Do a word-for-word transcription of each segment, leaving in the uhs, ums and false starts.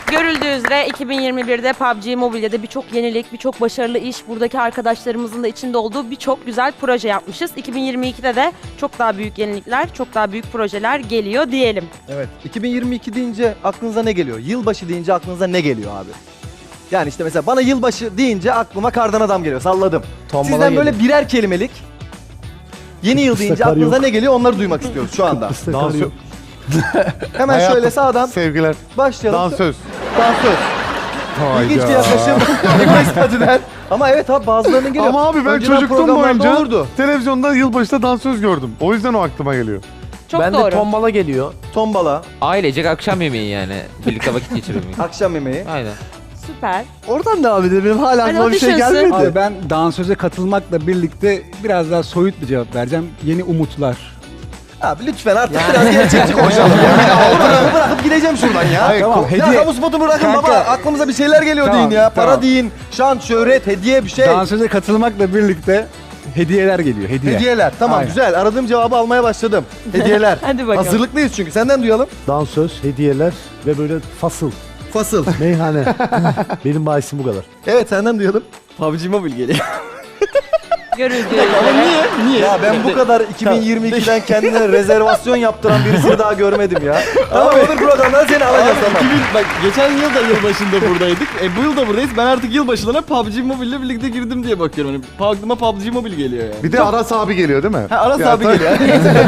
Görüldüğü üzere iki bin yirmi birde P U B G Mobile'de birçok yenilik, birçok başarılı iş, buradaki arkadaşlarımızın da içinde olduğu birçok güzel proje yapmışız. iki bin yirmi ikide de çok daha büyük yenilikler, çok daha büyük projeler geliyor diyelim. Evet. iki bin yirmi iki deyince aklınıza ne geliyor? Yılbaşı deyince aklınıza ne geliyor abi? Yani işte mesela bana yılbaşı deyince aklıma kardan adam geliyor. Salladım. Tombala Sizden böyle geliyor. birer kelimelik yeni yıl deyince kar aklınıza yok. ne geliyor onları duymak istiyoruz şu anda. Dans yok. Hemen Hayatım, şöyle sağdan Sevgiler. başlayalım. Dansöz. Dansöz. İlginç bir yaklaşım. Statüden. Ama evet abi bazılarının geliyor. Ama abi ben Önceden çocukluğum programlarda boyunca olurdu. televizyonda yılbaşında dansöz gördüm. O yüzden o aklıma geliyor. Çok ben doğru. de tombala geliyor. Tombala, Ailecek akşam yemeği yani. Birlikte vakit geçirmek. akşam yemeği. Aynen. Süper. Oradan devam edelim. Benim hala Hadi aklıma o bir şey düşünsün. gelmedi. Abi ben dansöze katılmakla birlikte biraz daha soyut bir cevap vereceğim. Yeni umutlar. Abi lütfen artık biraz gerçekçi konuşalım. Ya. Bırakıp, bırakıp gideceğim şuradan ya. Hayır, Tamam, Ya hediye. kamu spotu bırakın Kanka. baba. Aklımıza bir şeyler geliyor Tamam, deyin ya. Para tamam. deyin, şan, şöhret, hediye bir şey. Dansöze katılmakla birlikte hediyeler geliyor. Hediye. Hediyeler. Tamam Aynen. güzel. Aradığım cevabı almaya başladım. Hediyeler. Hadi bakalım. Hazırlıklıyız çünkü. Senden duyalım. Dansöz, hediyeler ve böyle fasıl, Fasıl. meyhane. Benim bahisim bu kadar. Evet senden duyalım. P U B G Mobile geliyor. Görüldüğü üzere. Ya ben bu kadar iki bin yirmi ikiden kendine rezervasyon yaptıran birisini daha görmedim ya. Tamam olur programdan seni alacağız tamam. Bak geçen yıl da yılbaşında buradaydık. E bu yıl da buradayız. Ben artık yılbaşlarına P U B G Mobile ile birlikte girdim diye bakıyorum. Hani aklıma P U B G Mobile geliyor yani. Bir de Aras abi geliyor değil mi? Ha Aras Ya abi tabii. geliyor.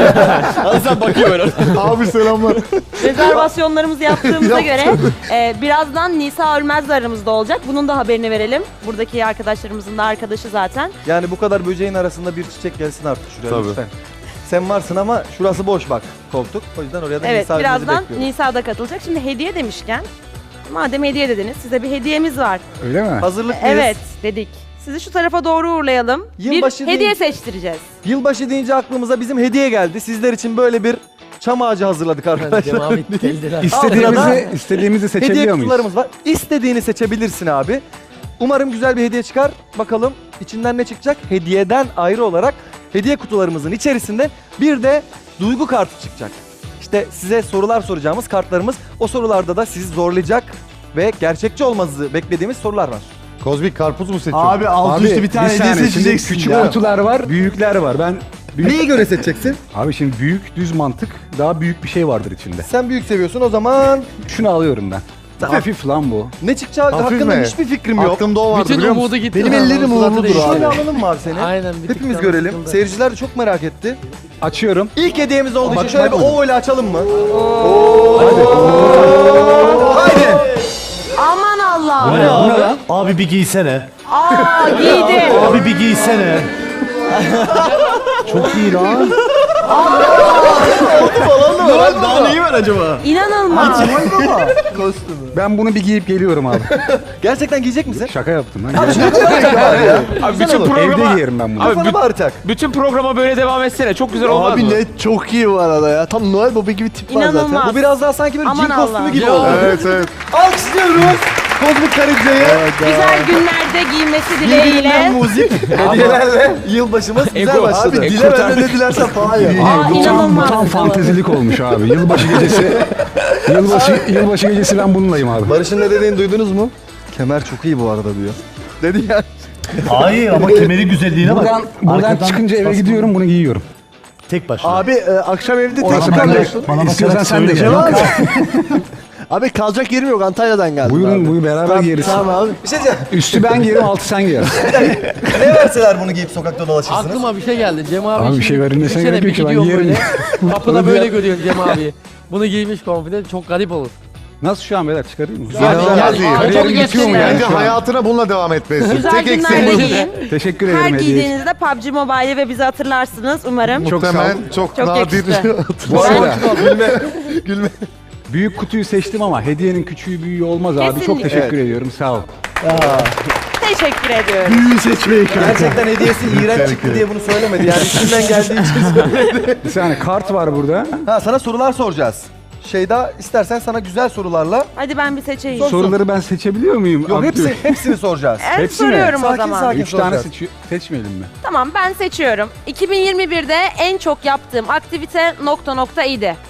Aras abi bakıyor böyle. Abi selamlar. Rezervasyonlarımızı yaptığımıza göre e, birazdan Nisa Ölmez de aramızda olacak. Bunun da haberini verelim. Buradaki arkadaşlarımızın da arkadaşı zaten. Yani bu kadar böceğin arasında bir çiçek gelsin artık şuraya Tabii. lütfen. Sen varsın ama şurası boş bak koltuk. O yüzden oraya da Evet, Nisa Ünlü'yü birazdan bekliyorum. Nisa da katılacak. Şimdi hediye demişken, madem hediye dediniz, size bir hediyemiz var. Öyle mi? Hazırlıklıyız. Evet, dedik. Sizi şu tarafa doğru uğurlayalım. Yılbaşı bir hediye değil. seçtireceğiz. Yılbaşı deyince aklımıza bizim hediye geldi. Sizler için böyle bir çam ağacı hazırladık arkadaşlar. İstediğimizi, istediğimizi Hediye seçebiliyor muyuz? kutularımız var. İstediğini seçebilirsin abi. Umarım güzel bir hediye çıkar. Bakalım içinden ne çıkacak? Hediyeden ayrı olarak hediye kutularımızın içerisinde bir de duygu kartı çıkacak. İşte size sorular soracağımız kartlarımız. O sorularda da sizi zorlayacak ve gerçekçi olmanızı beklediğimiz sorular var. Kozmik karpuz mu seçiyorsun? Abi alt üstü bir tane hediye saniye, şimdi seçeceksin küçük ya. kutular var, büyükler var. Ben büyük... Neyi göre seçeceksin? Abi şimdi büyük düz mantık, daha büyük bir şey vardır içinde. Sen büyük seviyorsun o zaman Şunu alıyorum ben. Hafif lan bu. ne çıkacağı Hafif hakkında mi? hiçbir fikrim yok. Aklımda o vardı Bütün biliyor musun? umudu gitti. Benim lan, ellerim onun suratı uğurludur değişti. abi. Şöyle alalım mı abi seni? Aynen. bir tık Hepimiz daha görelim. sıkıldı. Seyirciler de çok merak etti. Açıyorum. İlk hediyemiz olduğu için Bak- şöyle bir bakmadım. O ile açalım mı? Aman Allah! Bu ne lan? Abi bir giysene. Aa, giydi. Abi bir giysene. Çok iyi lan. Daha neyi var acaba? İnanılmaz. Ben bunu bir giyip geliyorum abi. Gerçekten giyecek misin? Şaka yaptım lan. Abi bütün Evde programa, giyerim ben bunu. Abi Kafana bü- mı ağrıtacak? bütün programa böyle devam etsene. Çok güzel olmaz Abi mı? ne çok iyi bu arada ya. Tam Noel Baba gibi tip var zaten. İnanılmaz. Bu biraz daha sanki böyle Aman cin kostümü Allah. gibi Ya. oldu. Evet evet. Alkışlıyoruz. Kozmik Karınca'yı. Güzel günlerde giymesi Birbirinden dileğiyle. muzip hediyelerle yılbaşımız güzel Ego. başladı. Abi dile benden ne dilersen falan ya. Aa, Bu tam, inanılmaz. tam fantezilik olmuş abi. Yılbaşı gecesi. Yılbaşı yılbaşı gecesi ben bununlayım abi. Barış'ın ne dediğini duydunuz mu? Kemer çok iyi bu arada diyor. Dedi ya. Hayır ama kemeri güzelliğine bak. Buradan buradan Arkadan çıkınca eve bas- gidiyorum bunu giyiyorum. Tek başına. Abi e, akşam evde tek Orası kalıyorsun. bende. İstiyorsan sen de gel. Abi kalacak yerim yok. Antalya'dan geldim. Buyurun abi. buyur beraber Tamam, giyeriz. Tamam abi. Bir şey diyeceğim. Üstü ben giyerim altı sen giyer. Ne verseler bunu giyip sokakta dolaşırsınız? Aklıma bir şey geldi. Cem abi, Abi bir şimdi şey verilmesine düşünsene, gerek yok bir ki, ben gidiyorum giyerim. böyle. Kapıda Öyle böyle bir- görüyorsun Cem abi. Bunu giymiş komple çok garip olur. Nasıl şu an beyler çıkarayım mı? İnanılmaz Yani- iyi. Aa, Kariyerim çok bitiyor mu gösteriyor. yani Bence şu an? hayatına bununla devam etmelisin. Güzel Tek günlerde eksiğin bu. giyin. Teşekkür Her ederim hediye için. giydiğinizde P U B G Mobile'i ve bizi hatırlarsınız umarım. Çok sağ ol. Muhtemelen çok, Çok nadir. yakıştı. Bu arada Gülme. Gülme. büyük kutuyu seçtim ama hediyenin küçüğü büyüğü olmaz abi. Çok Kesinlikle. teşekkür ediyorum. Sağ ol. Teşekkür ediyorum. Büyüğü seçmeyi Gerçekten hediyesi iğrenç çıktı diye bunu söylemedi. Yani içinden geldiği için söyledi. Bir saniye kart var burada. Ha sana sorular soracağız. Şeyda istersen sana güzel sorularla. Hadi ben bir seçeyim. Sor. Soruları ben seçebiliyor muyum? Yok Abi, hepsi, hepsini soracağız. Evet, Hepsi mi? soruyorum o Sakin, zaman. sakin. Üç tane soracağız. seçi- seçmeyelim mi? Tamam ben seçiyorum. iki bin yirmi birde en çok yaptığım aktivite nokta nokta idi.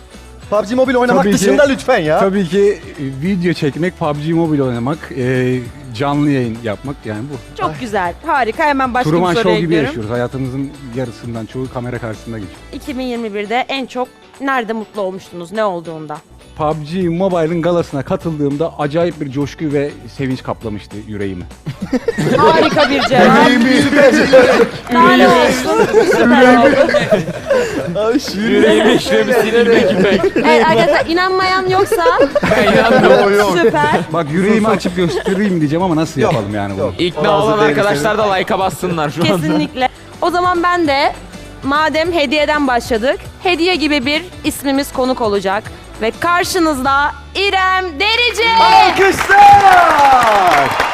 P U B G Mobile oynamak Tabii ki- dışında lütfen ya. Tabii ki e, video çekmek, P U B G Mobile oynamak, e, canlı yayın yapmak yani bu. Çok güzel. Harika. Hemen başka Truman bir Show soruya gibi gidiyorum. yaşıyoruz. Hayatımızın yarısından çoğu kamera karşısında geçiyor. iki bin yirmi birde en çok nerede mutlu olmuştunuz? Ne olduğunda? P U B G Mobile'ın galasına katıldığımda acayip bir coşku ve sevinç kaplamıştı yüreğimi. Harika bir cevap. Daha ne olsun? Süper oldu. Yüreğime işlemi silmek ipek. Evet arkadaşlar inanmayan yoksa Ben inanmıyorum. Yok yok. süper. Bak yüreğimi açıp göstereyim diyeceğim ama nasıl Yok, yapalım yani bunu? yok. İkna Bazı olan değeri arkadaşlar da like'a bassınlar şu anda. Kesinlikle. O zaman ben de madem hediyeden başladık, hediye gibi bir ismimiz konuk olacak. Ve karşınızda İrem Derici. Alkışlar!